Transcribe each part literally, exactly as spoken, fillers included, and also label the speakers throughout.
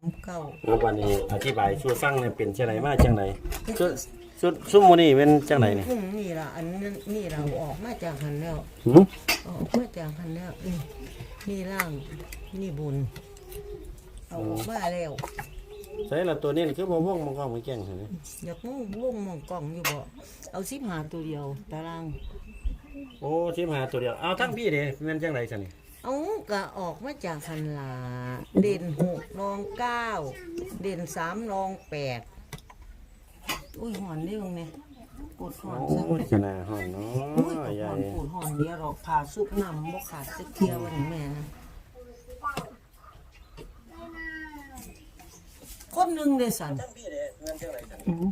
Speaker 1: เก้า
Speaker 2: แล้ววันนี้อธิบายสู่ฟังเนี่ยเป็นจังไดมาจังไดสุดสุดซุมมื้อนี้เป็นจังไดนี่
Speaker 1: อืมนี่ล่ะอันนั้นนี่เราออกมาจากหันแล้ว
Speaker 2: หือ
Speaker 1: ออกมาจากหันแล้วนี่นี่ล่างนี่บุญเอาออกมาแล้ว
Speaker 2: ใส่ละตัวนี้คือบ่วงมังกรมือแก่งซั่นนี่
Speaker 1: อยากมุ่งวงมองกล่องอยู่บ่เอาสิบหาตัวเดียวตาราง
Speaker 2: โอ้สิบห้าตัวเดียวเอาทั้งพี่เด้แม่นจังไดซั่นนี่
Speaker 1: เอาก็ออกมาจากหันลาเด่นหกรองเก้าเด่นสามรองแปดอุ้ยหอนเร็วไงปวดหอนซะ
Speaker 2: โอ้ยขนาดห้องเนา
Speaker 1: อุ้ยปว
Speaker 2: ะ
Speaker 1: ด
Speaker 2: ให
Speaker 1: ห
Speaker 2: ญ่
Speaker 1: อนปวดหอนเดียวหรอกผ่าซุปน้ำบ่ขาดสักเที่ยววันนี้แม่นะคนหนึ่งเดสัน
Speaker 2: ทั้งพี่เด้แม่นจังไดซั่น
Speaker 1: อือ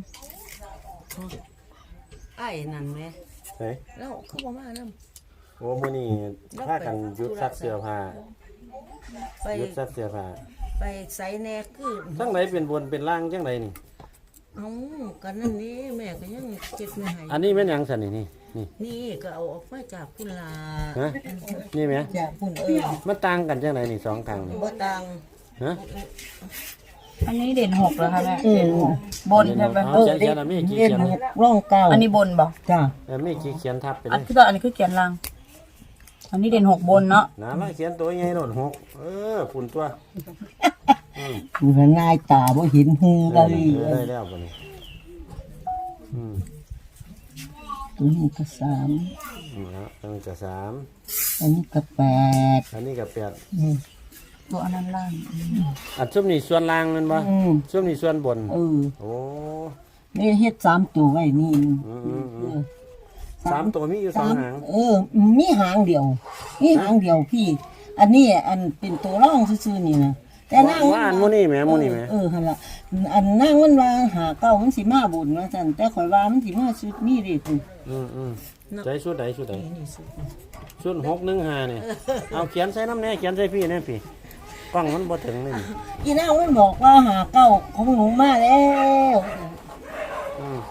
Speaker 1: ไอ้นั่นแหม
Speaker 2: เฮ้ย
Speaker 1: แล้วเขาบอกมานํ
Speaker 2: โอ้มื้อนี้พากันหยุดซักเสื้อผ้า
Speaker 1: ไป
Speaker 2: หยุดซักเสื้อผ้า
Speaker 1: ไปใส่แหน่คือ
Speaker 2: ทั้งไหนเป็นบนเป็นล่างจังไดนี่
Speaker 1: เอากันนั่นนี่แม่ก็ยังเจ็บไม่หาย
Speaker 2: อันนี้แม่นหยังซั่นนี่นี่นี่
Speaker 1: นี่ก็เอาออกมาจากคุณลา
Speaker 2: ฮะนี่แหม
Speaker 1: จากคุณเออ
Speaker 2: มันต่างกันจังไดนี่สองข้างนี่
Speaker 1: บ่ตัง
Speaker 2: ฮะ
Speaker 3: อันนี้เด่นหกเหรอคะแม่
Speaker 1: อืม
Speaker 3: บนใช่ไหม
Speaker 2: เอาเขียนเขียนอันนี้กี่เขียน
Speaker 1: ร่องเก้า
Speaker 3: อันนี้บนบอก
Speaker 1: จ้า
Speaker 2: เออมีกี่เขียนทับไปเล
Speaker 3: อัน
Speaker 2: ย
Speaker 3: คือตัวอันนี้คือเขียนล่าง อันนี้เด่นหกบนเนาะ
Speaker 2: น้าไล่เขียนตัวใหญ่โดดหกเออฝุ่นตัวอืม
Speaker 1: มันง่ายตาบ่เห็นหู
Speaker 2: เอ
Speaker 1: กั
Speaker 2: อน ได้แล้วบ่นี่อืม
Speaker 1: ตัวนี้ก็สาม
Speaker 2: นี่ฮะอันนี้ก็สาม
Speaker 1: อันนี้ก็แปด
Speaker 2: อันนี้ก็แปด
Speaker 1: อืม
Speaker 3: ตัวอันนั้นล่าง
Speaker 2: อันซุ่มนี่ส่วนล่างนั่นบ่
Speaker 1: อืม
Speaker 2: ซุ่มนี่ส่วนบน
Speaker 1: เออ
Speaker 2: โอ้
Speaker 1: นี่เฮ็ดสามตัวไว้นี่
Speaker 2: อืมอืมอืมสามตัวมีอยู่สองหาง
Speaker 1: เออ มีหางเดียว มีหางเดียวพี่ อันนี้อันเป็นตัวร่องซื่อๆนี่นะแต่นาง
Speaker 2: ว่าอันหมูนี่แหมหมูนี่แหม
Speaker 1: เออหั่นล่ะอันนางมันว่าหาเก้ามันสิมาบุญว่าซั่นแต่ข่อยว่ามันสิมาชุดนี้เด้คุณ
Speaker 2: อืมอืมใจชุดใดชุดใด
Speaker 1: นี่สุด
Speaker 2: ชุดหกหนึ่งห้าเนี่ยเอาเขียนใส่น้ำแน่เขียนใส่พี่แน่พี่กล้องมันบ่ถึงนี่
Speaker 1: อีนางมันบอกว่าหาเก้าของหนูมาแล้ว
Speaker 2: อืม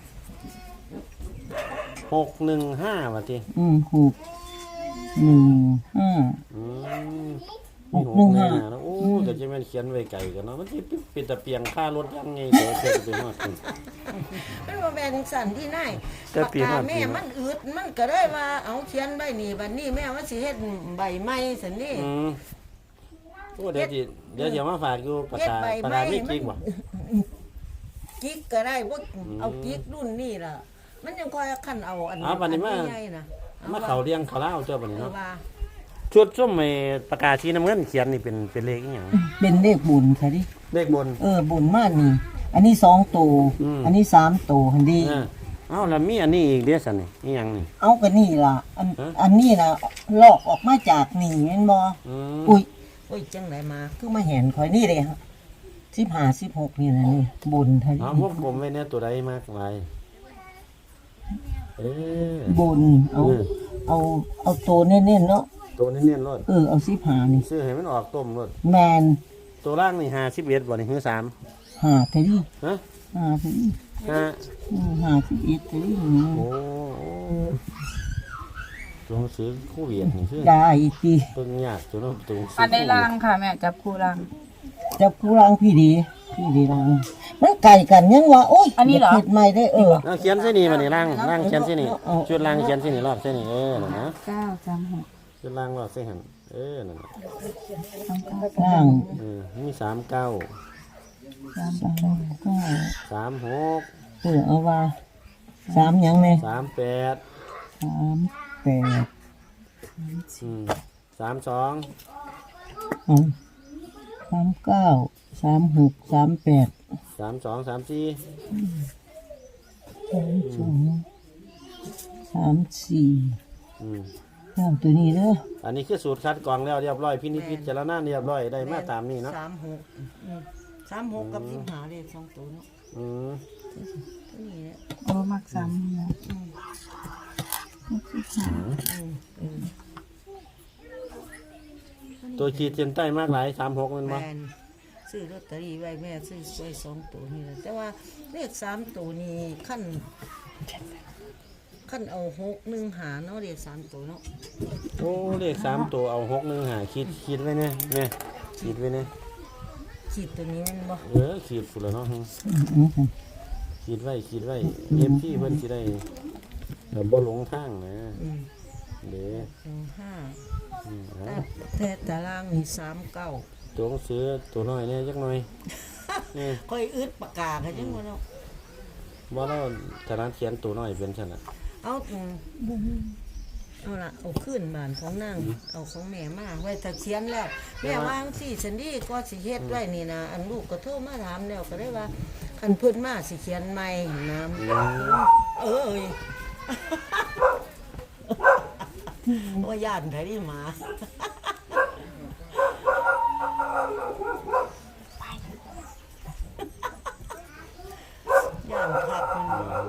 Speaker 2: หกหนึ่งห้าว่าที
Speaker 1: อืมหกหนึ่งห้า
Speaker 2: อืม
Speaker 1: หกหนึ่งห้า
Speaker 2: แล้วโอ้ก็จะแม่นเขียนไว้ไกลกันเนาะมันสิเป็นตะเปียงค่ารถยังไงเดี๋ยวเพิ่นไปฮอดคุณ
Speaker 1: มันบ่แม่นสั่นที่นาย
Speaker 2: แต่
Speaker 1: ปาก
Speaker 2: ปี
Speaker 1: กา
Speaker 2: ห้าปี
Speaker 1: แม่มันอึดมันก็เลยว่าเอาเขียนใบนี้บัดนี้แม่ว่าสิเฮ็ดใบไม้ซั่นนี่
Speaker 2: อืมโอ้เดี๋ยวสิเดี๋ยวสิเอามาฝากอยู่ปาก
Speaker 1: เฮ็ด
Speaker 2: กา
Speaker 1: ใบ
Speaker 2: ปาก
Speaker 1: ไม้
Speaker 2: กาไม่
Speaker 1: มั
Speaker 2: จริงบ่
Speaker 1: กิ๊กก็ได้บ่เอากิ๊กรุ่นนี้ล่ะ มันยังค่อยคันเอาอัน
Speaker 2: เอาบัดนี้มา
Speaker 1: ใหญ่ๆนะ
Speaker 2: มาเขาเรียงเขาเล่าเจ้าบัดนี้
Speaker 1: เออ
Speaker 2: เนาะ
Speaker 1: ว่า
Speaker 2: ชุดส้มไอ้ปากกาสีน้ำเงินเขียนนี่เป็นเป็นเลขอีหยัง
Speaker 1: เป็นเลขบุญค่ะดิ
Speaker 2: เลขบน
Speaker 1: เออบุญมากนี่ อันนี้สองตัว
Speaker 2: อืม
Speaker 1: อันนี้สามตัวหันดี
Speaker 2: อ่าเอ้าแล้วมีอันนี้อีกเด้อซั่นนี่อีหยังนี่
Speaker 1: เอากันนี่ล่ะ อัน
Speaker 2: ฮะ
Speaker 1: อันนี้ล่ะลอกออกมาจากนี่แม่นบ่
Speaker 2: อืม
Speaker 1: อุ้ยอุ้ยจังไดมาคือมาเห็นข่อยนี่เลยฮะสิบห้าสิบหกนี่นะนี่บุญท่าน
Speaker 2: เอาพวกผมไว้เนี่ยตัวใดมากมายเออ
Speaker 1: บุญเอา
Speaker 2: เออ
Speaker 1: เอาเอาตัวเน้นๆเนาะ
Speaker 2: ตัวนี้เนียนรถ
Speaker 1: เออเอาสิบห้านี่
Speaker 2: ซื้อให้มันออกต้มรถ
Speaker 1: แมน
Speaker 2: ตัวล่างนี่ห้าสิบเอ็ดบ่นี่คือสาม
Speaker 1: หาเทนี่
Speaker 2: ฮะ
Speaker 1: หาเทนี่
Speaker 2: ห้า
Speaker 1: อืมหาสิบเอ็ดเทนี่
Speaker 2: โอ้โอ้ตัวซื้อคู่เวียดนี่คือ
Speaker 1: ได้ที
Speaker 2: เพิ่งยากตัวนู้นตัวซื้
Speaker 3: อันในล่างค่ะแม่จับคู่ล่าง
Speaker 1: จะผู้รังพี่ดีพี่ดีรังมันไก่กันยังวะโอ้ย
Speaker 3: อันนี้เหรอ
Speaker 1: ย่าผิดใหม่ได้เออ
Speaker 2: เอาเขียนเส้นนี้มานี่ล่างล่างเขียนเส้นนี้
Speaker 1: เอา
Speaker 2: ชุดล่างเขียนเส้นนี้รอบเส้นนี้เออนั่นนะ
Speaker 3: เก้าสามหก
Speaker 2: ชุดล่างรอบเส้นหันเออนั่นน่ะ
Speaker 3: สามเก้า
Speaker 1: ล่าง
Speaker 2: เออมีสามเก้า
Speaker 3: สาม
Speaker 1: สามเก้า
Speaker 2: สามหก
Speaker 1: เออเอาว่าสามยังไง
Speaker 2: สามแปด
Speaker 1: สามแปด
Speaker 2: อืมสามสอง
Speaker 1: เอาสามเก้าสามหกสามแปด
Speaker 2: สามสองสามสี่
Speaker 1: สามสองสามสี่
Speaker 2: อืม
Speaker 1: แล้วตัวนี้เด้อ
Speaker 2: อันนี้คือสูตรคัดกรองแล้วเรียบร้อยพินิจพิจารณาเรียบร้อยได้มาตามนี้เนาะ
Speaker 1: สามหกอืมสามหกกับสิบห้าเลขสองตัวเนาะ
Speaker 2: อืม
Speaker 1: ตัวนี้แหละ
Speaker 3: โอ้มักสามนะ
Speaker 2: ตัวขีดเส้นใต้มากหลายสามหกมัน
Speaker 1: แม
Speaker 2: บ่
Speaker 1: นซื้อลอตเตอรี่ไว้แม่ซื้อไว้สองตัวนี่แหละแต่ว่าเลขสามตัวนี้ขั้นขั้นเอาหกหนึ่งหาเนาะเลขสามตัวเนาะ
Speaker 2: โอ้เลขสามตัวเอาหกหนึ่งหาขีดขีดไว้เนี่ยเนี่ยขีดไว้เนี่ย
Speaker 1: ขีดตัวนี้แมันบ่
Speaker 2: เออขีดฝุ่นแล้วเนาะ
Speaker 3: อืมอืมอืม
Speaker 2: ขีดไว้ขีดไว้เอฟที่เพิ่นสิได้แบบบ่หลงทางนะ
Speaker 1: อืม
Speaker 2: เด้อ
Speaker 1: สองห้า
Speaker 2: อืม
Speaker 1: แต่
Speaker 2: เอา
Speaker 1: แต่ตารางนี่สามเก้า
Speaker 2: ตัวหนังสือตัวน้อยเนี่ยจักหน่อยนี่
Speaker 1: ค่อยอึดปากกากันจังว่าเนาะ
Speaker 2: บ่แล้วถนัดเขียนตัวน้อยเป็นซั่นน่ะ
Speaker 1: เอาอืมเอาละเอาขึ้นบ้านของนางเอาของแม่มาไว้ถ้าเขียนแล้วแม่วาจั่งสิฉันดีก็สิเฮ็ดไว้นี่นะอันลูกก็โทรมาถามแล้วก็ได้ว่าคันเพิ่นมาสิเขียนใหม่นะเอ้ยว่าย่านไผดิหมาย่านคักมัน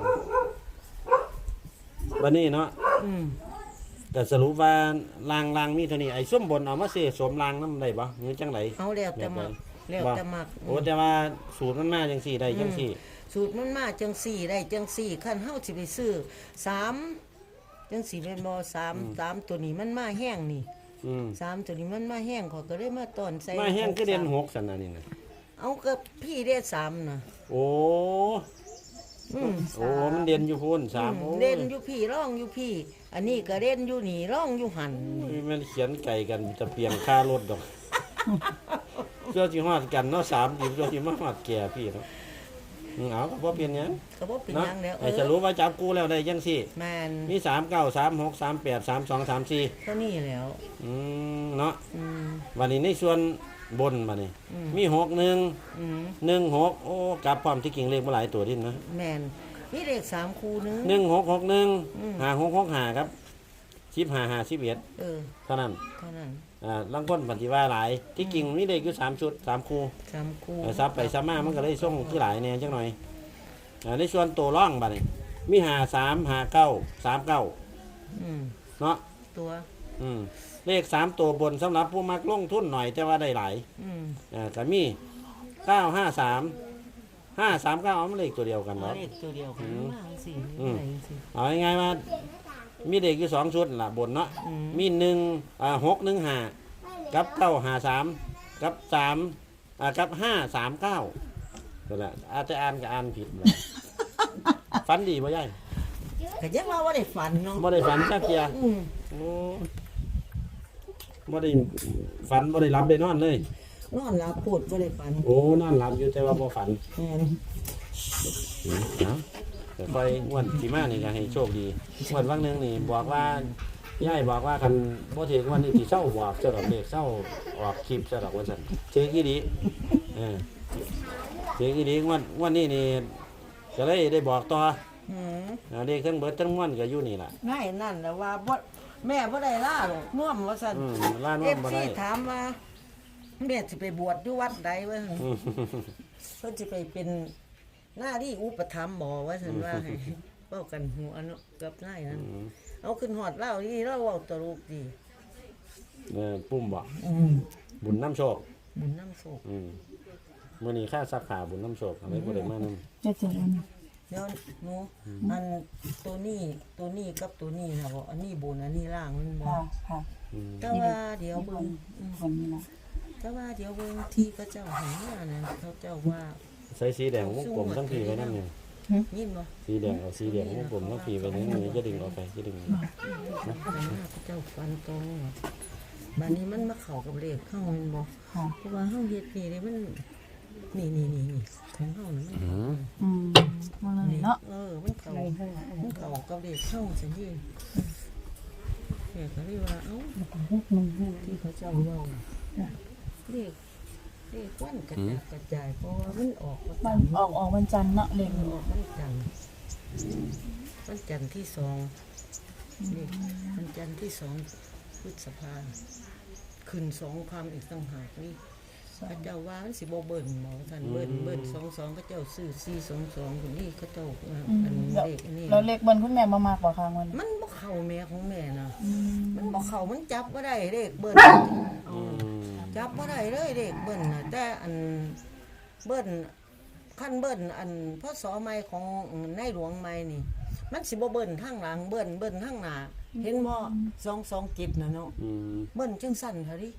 Speaker 2: วันนี้เนาะ
Speaker 1: อืม
Speaker 2: ก็สรุปว่าลางลางมีเท่านี้ไอ้ส้มบนเอามาเสสวมลางนำได้บ่หรือจังได
Speaker 1: เอาแล้วแต่มักแล้วแต่มัก
Speaker 2: โอ้แต่ว่าสูตรมันมาจังซี่ได้จังซี่
Speaker 1: สูตรมันมาจังสี่ได้จังสี่ขั้นเฮาสิไปซื้อสามจังสี่เป็นบ่สามสามตัวนี้มันมาแห้งนี่
Speaker 2: อืม
Speaker 1: สามตัวนี้มันมาแห้งเขาก็ได้มาตอนใส่
Speaker 2: มาแห้งคือเดือนหกซั่นน่ะนี่น่ะ
Speaker 1: เอากับพี่ได้สามน่ะ
Speaker 2: โอ้
Speaker 1: อืม
Speaker 2: โอ้มันเด่นอยู่พุ่นสามโอ้
Speaker 1: เล่นอยู่พี่ร้องอยู่พี่ อันนี้ก็เล่นอยู่นี่ร้องอยู่หัน
Speaker 2: มันเขียนไก่กันจะเปลี่ยนค่ารถดอกเจ้าสิฮอดกันเนาะสามสิบเจ้าสิมาฮอดแก่พี่เนาะอืมเอาก็บ่เปลี่ยนหยัง
Speaker 1: ก็บ่เป็น
Speaker 2: เนาะ
Speaker 1: หยังแล้วเอ
Speaker 2: ไอ้
Speaker 1: อ
Speaker 2: จะรู้ว่าจับกูแล้วได้จังซี่
Speaker 1: แม่น
Speaker 2: มีสามเก้า สามหก สามแปด สามสอง สามสี่
Speaker 1: เท่านี้แล้ว
Speaker 2: อืมเนาะ
Speaker 1: อืม
Speaker 2: วันนี้ในส่วนบนบัดนี้
Speaker 1: อืม
Speaker 2: มีหกหนึ่ง
Speaker 1: อืม
Speaker 2: หนึ่งหกโอ้กลับพร้อมที่กิ่งเลขบ่หลายตัวดินะ
Speaker 1: แม่นมีเลขสามคู่นึง
Speaker 2: หนึ่งหกหกหนึ่ง
Speaker 1: อืม
Speaker 2: ห้าหกหกห้าครับสิบห้าห้าสิบเอ็ด
Speaker 1: เออ
Speaker 2: เท่านั้น
Speaker 1: เท่านั้น
Speaker 2: อ่าลังคนปฏิว่าหลายที่กิ่งมีเลขอยู่สามชุดสามคู่
Speaker 1: สามคู่
Speaker 2: เออซับไปซับมามันก็เลยส่งคือหลายแน่จังหน่อยอ่าในส่วนตัวร่องบัดนี้มีห้าสามห้าเก้าสามเก้า
Speaker 1: อืม
Speaker 2: เนาะ
Speaker 1: ตัว
Speaker 2: อืมเลขสามตัวบนสำหรับผู้มักลงทุนหน่อยแต่ว่าได้หลาย
Speaker 1: อืม
Speaker 2: อ่าก็มีเก้าห้าสามห้าสามเก้าเอามาเลขตัวเดียวกัน
Speaker 1: เอา
Speaker 2: เนาะ
Speaker 1: เลขตัวเดียวกัน
Speaker 2: อืม
Speaker 1: มาสิ
Speaker 2: อืม
Speaker 1: ไหนสิ
Speaker 2: เอาง่ายๆว่ามีเด็กอยู่สองชุดล่ะบนเนาะ
Speaker 1: อืม
Speaker 2: มีหนึ่งอ่าหกหนึ่งห้ากับเก้าห้าสามกับสามอ่ากับห้าสามเก้านั่นแหละอาจจะอ่านก็อ่านผิดแหละ ฝันดีป่ะยาย
Speaker 1: ก็ยังว่าว่าได้ฝันเนาะ
Speaker 2: บ่ได้ฝันจักเกีย
Speaker 1: อืม
Speaker 2: โอ้บ่ได้ฝันบ่ได้รับได้นอนเลย
Speaker 1: นอนหลับพูดว่าได้ฝัน
Speaker 2: โอ้นอนหลับอยู่แต่ว่าบ่ฝัน
Speaker 1: แม่น
Speaker 2: อืมเอาแต่ค่อยงวันสีมานี่ก็ให้โชคดีงวันวันหนึงนี่บอกว่าย่ายบอกว่าคันบ่ถือวันนี้สิเศร้าบอกเจ้าดอกเด็กเศร้าออกคลิปเจ้าดอกว่าซั่นเชื่อกี่ดีเออเชื่อกี่ดีงวันวันนี้นี่ก็เลยได้บอกต่อ
Speaker 1: อืม
Speaker 2: อ่าเด็กทั้งเบิดทั้งมวลก็อยู่นี่ล่ะ
Speaker 1: ง่ายนั่นแหละว่าบ่แม่บ่ได้ล่าหรอกน่วมว่าซั่น
Speaker 2: อืมล้าน
Speaker 1: เอ
Speaker 2: ว่า
Speaker 1: ฟ
Speaker 2: บ่
Speaker 1: ซี
Speaker 2: ได้
Speaker 1: ถามว่าแม่สิไปบวชอยู่วัดใดวะ
Speaker 2: อืม
Speaker 1: เพิ่นสิไปเป็นหน้าที่อุปถัมภ์บ่ว่าซั่นว่าให้เว้ากันหัวเนาะกับนายนั่นเอาขึ้นฮอดเล่านี่เราเว้าตลกดี
Speaker 2: เออปุ่มบ่
Speaker 1: อืม
Speaker 2: บุญน้ำโชค
Speaker 1: บุญน้ำโศก
Speaker 2: อืมมื้อนี้ค่าซักผ้าบุญน้ำโชคอะไรบ่ได้มานำ
Speaker 3: เจ็ดเจ็ดอัน
Speaker 1: เดี๋ยวหนูอันตัวนี้ตัวนี้กับตัวนี้นะบ่อันนี้บนอันนี้ล่างมันบ่
Speaker 3: ค่ะค่ะ
Speaker 2: อืม
Speaker 1: แต่ว่าเดี๋ยวเบิ่งอืม
Speaker 3: คนนี้นะ
Speaker 1: แต่ว่าเดี๋ยวเบิ่งที่เขาเจ้าให้มานั่นเขาเจ้าว่า
Speaker 2: ใส่สีแดงวงกลมทั้งพี่ไว้นำเนี่ย
Speaker 1: ยินบ่
Speaker 2: สีแดงเอาสีแดงวงกลมทั้งพี่ไว้นี่มันจะดึงออกไปจะดึง
Speaker 1: เขาเจ้าฟันตรงบัดนี้มันมาเข้ากับเลขเข้าแม่นบ่
Speaker 3: ค่ะ
Speaker 1: เพราะว่าเฮาเฮ็ดนี่เด้มันนี่นี่นี่นี่ของเฮานี่มัน
Speaker 2: อืม
Speaker 3: อืมมาเลยเนาะ
Speaker 1: เออมันเข้ามันเข้ากับเลขเข้าจังซี่แม่ก็เลยว่าเอ้า
Speaker 3: หกหนึ่งห้า
Speaker 1: ที่เขาเจ้าเว้าเลขเลขวันกระจายกระจายเพราะว่ามันออก
Speaker 3: มันออกออกวันจันทร์เนาะเลข
Speaker 1: มันออกวันจันทร์วันจันทร์ที่สองเลขวันจันทร์ที่สองพฤษภาขึ้นสองความอีกต่างหากนี่พระเจ้าว่ามันสิบ่เบิ่นหมอท่านเบิ่นเบิ่นสองสองเขาเจ้าซื้อสี่สองสองคนนี้เขาเจ้าอันเลขอันนี้
Speaker 3: แล้วเลขบนคุณแม่บ่มากกว่าค่ะวัน
Speaker 1: มันบ่เข้าแม่ของแม่นะ
Speaker 3: อืม
Speaker 1: มันบ่เข้ามันจับบ่ได้เลขเบิ่น
Speaker 2: อืม
Speaker 1: จับบ่ได้เลยเด็กเบิ้นน่ะแต่อันเบิ้นขั้นเบิ้นอันพศใหม่ของในหลวงใหม่นี่ มันสิบ่เบิ้นทางหลังเบิ้นเบิ้นทางหน้าเห็นบ่สองสองจิตน่ะเนาะ
Speaker 2: อืม
Speaker 1: เบิ้นจังสั่นเท่าดิ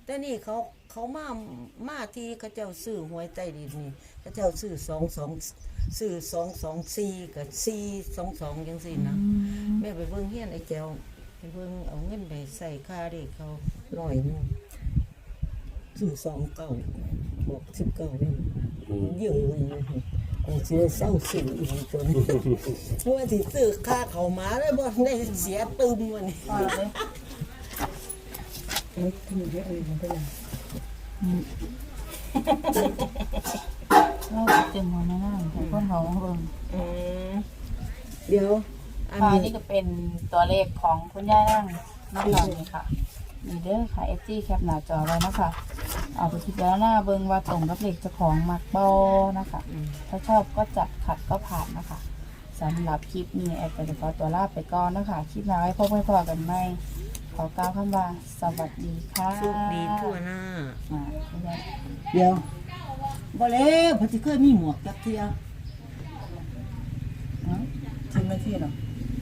Speaker 1: แต่นี่เขาเขามามาที่เขาเจ้าซื้อหวยใต้ดินนี่เขาเจ้าซื้อสองสองซื้อสองสองสี่กับสี่สองสองจังสี่นะแม่ไปเบิ่งเฮียนไอ้แก้วไปเบิ่งเอาเงินไปใส่ค่าเด็กเขาร้อยหนึงซื้อสองเก้าบอกสิบเก้าเนี่ยยืมเลยนะกูสิได้เศร้าซื้ออีกตัวนี้เพราะว่าสิซื้อค่าเขาวหมาได้บ่ได้เสียตึมวันนี้
Speaker 3: พอเลย
Speaker 1: เอ้ยทำไมเยอะเลยมันเป็นไร
Speaker 3: เราเต็มหัวหน้าแต่คนเขาเบิ่ง
Speaker 1: อืมเดี๋ยวอัน
Speaker 3: ค่ะ
Speaker 1: นี้
Speaker 3: นี่ก็เป็นตัวเลขของคุณย่านั่งน้องหลังนี่ค่ะมีเด้อค่ะ เอฟ จี แคปหน้าจอไว้นะคะเอาไปคิดแล้วหน้าเบิ่งว่าตรงกับเลขเจ้าของมักบอนะคะ ถ้าชอบก็จัดขัดก็ผ่านนะคะสำหรับคลิปนี้แอดก็จะขอตัวลาไปก่อนนะคะคลิปหน้าไว้พบกันพอกันไหมขอกล่าวคำว่าสวัสดีค่ะ
Speaker 1: โชคดีทั่วหน้า
Speaker 3: อ่าคุณย่า
Speaker 1: เดี๋ยวบ่แล้วเพอสิเคยมีหมวกจักเที่ย
Speaker 3: เนาะถึงนาทีหรอ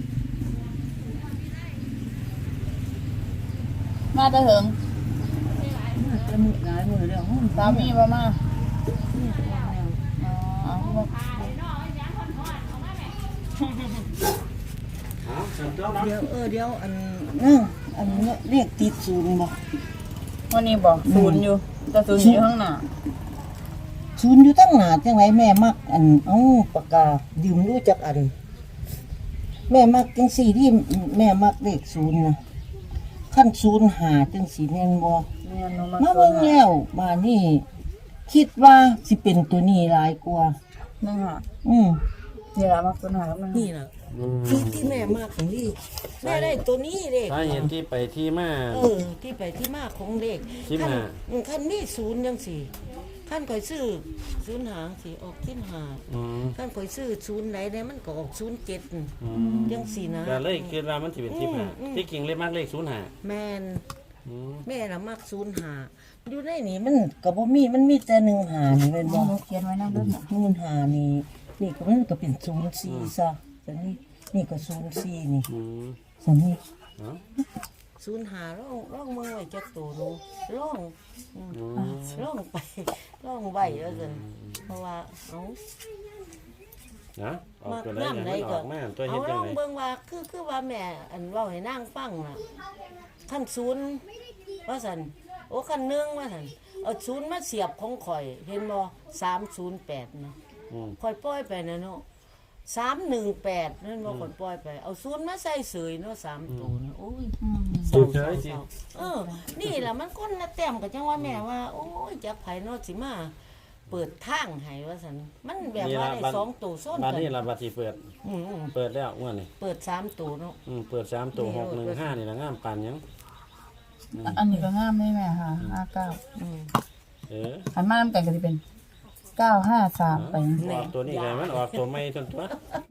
Speaker 3: มาแตะเหิง
Speaker 1: จะมุกหลายมือแล้ว
Speaker 3: สามีบ่มา
Speaker 1: เนี่ย
Speaker 3: อ๋อเอาบ่
Speaker 1: เดี๋ยวเออเดี๋ยวอันนึงอันนี้เรียกติดศูนย์บ่
Speaker 3: วันนี้บอกศูนย์อยู่แต่ศูนย์อยู่ข้างหน้า
Speaker 1: ศูนย์อยู่ตั้งหน้าจังไดแม่มักอันเอ้าปากกายืมรู้จักอัน แม่มักจังสี่ที่แม่มักเลขศูนย์นะขั้นศูนย์หาจังสี่แม่นบ่
Speaker 3: แม่นมา
Speaker 1: มาเบิ่งแล้วบ้านนี้คิดว่าสิเป็นตัวนี้หลายกว่า
Speaker 3: นั่นค่ะ
Speaker 1: อืม
Speaker 3: นี่ละมักตัวหนาแล้วมัน
Speaker 1: นี่น่ะที่ที่แม่มากของนี่แม่ได้ตัวนี้เด็ก
Speaker 2: สาเหตุที่ไปที่มา
Speaker 1: เออที่ไปที่มาของเด็ก
Speaker 2: สิบห้า
Speaker 1: อืมคันนี้ศูนย์จังสี่คันข่อยซื้อศูนย์หางสิออกสิบห้า
Speaker 2: อืม
Speaker 1: คันข่อยซื้อศูนย์ไหนได้มันก็ออกศูนย์เจ็ด
Speaker 2: อืม
Speaker 1: จังสี่นะ
Speaker 2: ก็เลยคิดว่ามันสิเป็นที่ห้า
Speaker 1: อืม
Speaker 2: ที่จริงเลขมากเลขศูนย์ห้า
Speaker 1: แม่น
Speaker 2: อืม
Speaker 1: แม่ละมักศูนย์หาอยู่ในนี่มันก็บ่มีมันมีแต่หนึ่งหานี่แม่นบ่
Speaker 3: หนูเขียนไว้นั่นด้วยนะ
Speaker 1: นู่นหานี่นี่ก็มันก็เป็นศูนย์สี่ซะแต่นี่นี่ก็ศูนย์สี่นี่
Speaker 2: อืม
Speaker 1: สันนี่
Speaker 2: เนาะ
Speaker 1: ศูนย์หาร่องร่องมือไว้จักตัวหนูร่องอืม
Speaker 2: อืม
Speaker 1: ร่องไปร่องไว้แล้วกันเพราะว่าเอา
Speaker 2: นะออก
Speaker 1: มาก
Speaker 2: ตัวได้ยัง
Speaker 1: น้ำไหน
Speaker 2: มันอ
Speaker 1: ก็
Speaker 2: อกมาตัว
Speaker 1: เอา
Speaker 2: เฮ็ดจั
Speaker 1: ร่
Speaker 2: ง
Speaker 1: อง
Speaker 2: ได
Speaker 1: เบิ่งว่าคือคือว่าแม่อันเว้าให้นางฟังน่ะขั้นศูนย์ว่าซั่นโอ้ขั้นหนึ่งว่าซั่นเอาศูนย์มาเสียบของข่อยเห็นบ่สามศูนย์แปดนะ
Speaker 2: อืม
Speaker 1: ข่อยปล่อยไปนะเนาะสามหนึ่งแปดนั่นบ่ข่อยปล่อยไปเอาศูนย์มาใส่เสยเนาะสามตัวนะโอ้ย
Speaker 3: อืม
Speaker 1: เศร้า
Speaker 2: เฉ
Speaker 1: เศร้าย
Speaker 2: ๆสิ
Speaker 1: เศร้าเออ นี่แหละมันคนละแต้มกับจังว่าแม่ว่า โอ้ยจักไผเนาะสิมาเปิดทางให้ว่าซั่นมันแบบว่าได้สองตัวซ้อน
Speaker 2: บัด
Speaker 1: กัน
Speaker 2: นี้ล่ะบัดที่เปิด
Speaker 1: อืม
Speaker 2: เปิดแล้วอ้วนนี่
Speaker 1: เปิดสามตัวเนาะ
Speaker 2: อืมเปิดสามตัวหกหนึ่งห้านี่ละงามปานหยัง
Speaker 3: อันนี้ก็งามได้ไหมคะห้าเก้า
Speaker 1: อืม
Speaker 2: เออ
Speaker 3: ขันมาน้ำกันก็จะเป็นเก้าห้าสามไป
Speaker 2: ออกตัวนี้ไงมันออกตัวไม่จนตัว